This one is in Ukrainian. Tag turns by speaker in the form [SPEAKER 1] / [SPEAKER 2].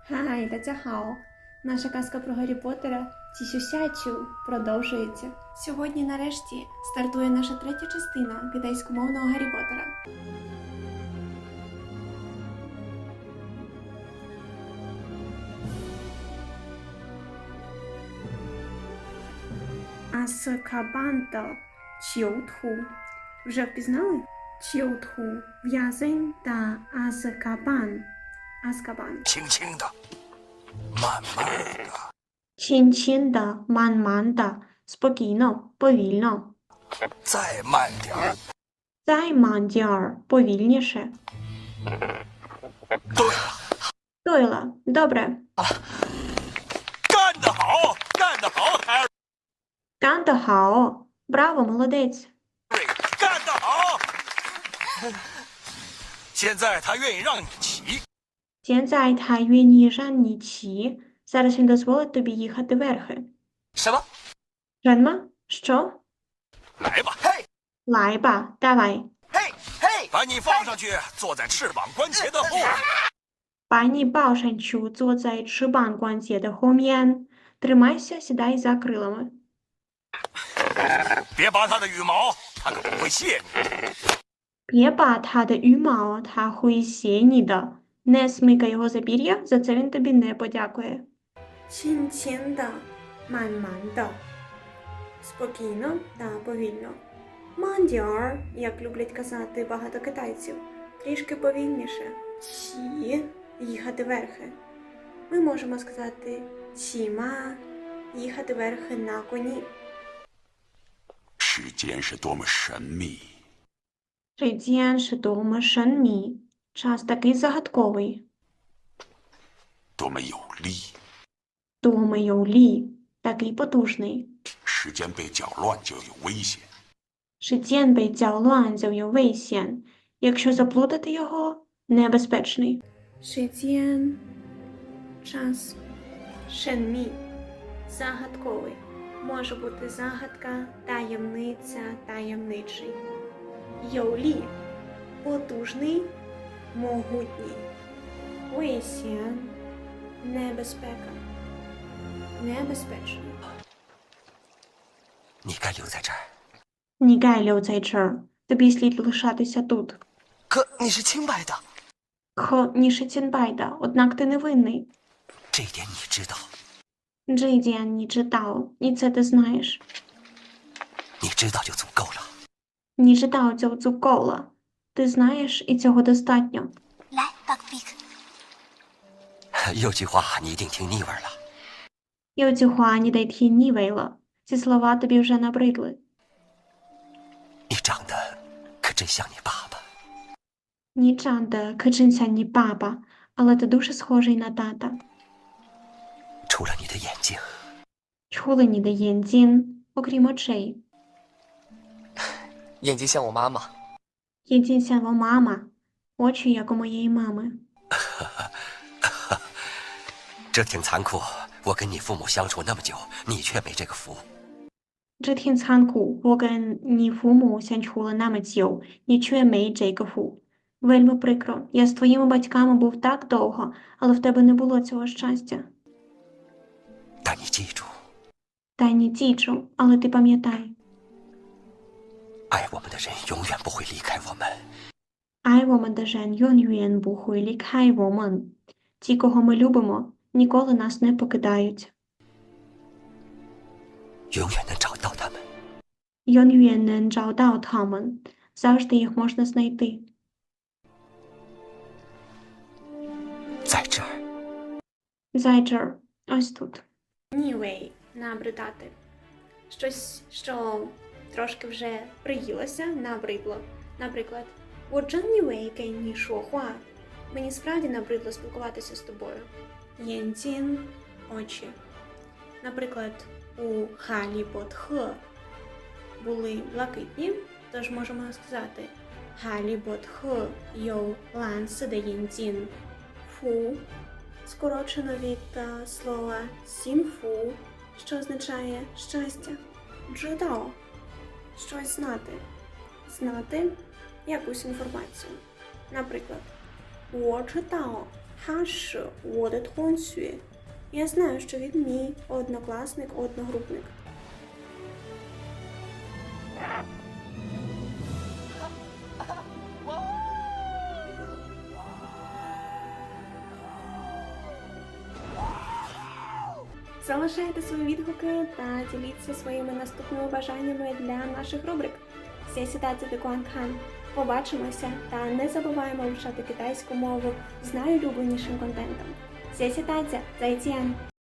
[SPEAKER 1] Хай, дацяхао! Наша казка про Гаррі Поттера Цісюсячу продовжується. Сьогодні, нарешті, стартує наша третя частина китайськомовного Гаррі Поттера. Азкабан Чіотху. Вже впізнали? Чіотху – в'язень та Азкабан. Азкабан.
[SPEAKER 2] 轻轻的，慢慢的，
[SPEAKER 1] Чин-чин-да, ман-ман-да, спокійно, повільно.
[SPEAKER 2] 再慢点儿。
[SPEAKER 1] Займан-дяр, повільніше.
[SPEAKER 2] 对了，
[SPEAKER 1] Тойла, добре.
[SPEAKER 2] 干得好，干得好，海尔
[SPEAKER 1] Кандахао, браво, молодець.
[SPEAKER 2] 瑞，干得好。现在他愿意让你骑，
[SPEAKER 1] Тєнзай та юні жанні чі. Зараз він дозволить тобі їхати верхи.
[SPEAKER 2] 什么？
[SPEAKER 1] Жанма, що?
[SPEAKER 2] 来吧，嘿，
[SPEAKER 1] Лайба, давай.
[SPEAKER 2] 嘿，嘿，把你放上去，坐在翅膀关节的后面。
[SPEAKER 1] Пані Баошанчу, цуоцай чубан гуанзє де хом'ян. Тримайся, сідай за крилами.
[SPEAKER 2] 别拔他的羽毛，他可不会谢你。
[SPEAKER 1] П'єба та де юмао та хуїсєніда. Не смикай його за пір'я, за це він тобі не подякує. Чин-чин-да, ман-ман-да. Спокійно та повільно. Мандяр, як люблять казати багато китайців, трішки повільніше. Чі – їхати верхи. Ми можемо сказати чіма – їхати верхи на коні.
[SPEAKER 3] 世间是多么神秘，
[SPEAKER 1] Шейдзян шидома шанмі. Час такий загадковий.
[SPEAKER 3] 多么有力。
[SPEAKER 1] Думаю-лі. Такий потужний.
[SPEAKER 3] 时间被搅乱就有危险。
[SPEAKER 1] Шидзян бей цяолуан зяо вейсян. Якщо заплутати його, небезпечний. Шидзян. Час. Шенмі. Загадковий. Може бути загадка, таємниця, таємничий. Йоулі. Потужний, могутній. Вейсян. Небезпека. Небезпечний.
[SPEAKER 2] 你该留在这儿。
[SPEAKER 1] Нігай льоцайчер. Тобі слід лишатися тут.
[SPEAKER 2] 可你是清白的，
[SPEAKER 1] Хо нішицінбайда, однак ти невинний.
[SPEAKER 2] 这一点你知道。
[SPEAKER 1] Джейдіан ні читав, і це ти знаєш.
[SPEAKER 2] 你知道就足够了。
[SPEAKER 1] Ні читав цього цукола. Ти знаєш, і цього достатньо.
[SPEAKER 4] 来 ，Buckbeak，
[SPEAKER 2] 有句话你一定听腻味了。
[SPEAKER 1] І оцю хуані дай тхі нівейла. Ці слова тобі вже набридли.
[SPEAKER 2] 你长得可真像你爸爸。
[SPEAKER 1] Ні чанда, кичинся ні папа, але ти дуже схожий на тата.
[SPEAKER 2] 除了你的眼睛，
[SPEAKER 1] Чули ні де єнцін, окрім очей.
[SPEAKER 5] 眼睛像我妈妈，
[SPEAKER 1] Єнцінся во мама, очі, як у моєї мами.
[SPEAKER 2] 这挺残酷。我跟你父母相处那么久，你却没这个福。
[SPEAKER 1] Джитхін цханку, воген ні фуму сянчхула намецьйов, нічує мей джейкофу. Вельми прикро, я з твоїми батьками був так довго, але в тебе не було цього щастя.
[SPEAKER 2] 但你记住，
[SPEAKER 1] Та ні тічу, але ти пам'ятай.
[SPEAKER 2] 爱我们的人永远不会离开我们。
[SPEAKER 1] Ай вомен дежен йон юєн бухуй лікхай вомен. Ті, кого ми любимо, ніколи нас не покидають.
[SPEAKER 2] 永远能找到他们。
[SPEAKER 1] Йон юєн нен джаодао тамен. Завжди їх можна знайти.
[SPEAKER 2] 在这儿，
[SPEAKER 1] Зайчер, ось тут. Нівей, набридати. Щось, що трошки вже приїлося, набридло. Наприклад, «Воджан нівей кен ні шохуа». Мені справді набридло спілкуватися з тобою. Єнцін – очі. Наприклад, у Халі Ботхе були блакитні, тож можемо сказати «Халі Ботхе йоу ланси де єнцін». Фу скорочено від слова сінфу, що означає щастя. Джедао – щось знати. Знати якусь інформацію. Наприклад, 我知道他是我的同学. Я знаю, що він мій однокласник, одногрупник. Залишайте свої відгуки та діліться своїми наступними бажаннями для наших рубрик. 谢谢大家的观看. Побачимося та не забуваємо вивчати китайську мову з найулюбленішим контентом. 谢谢大家, 再见!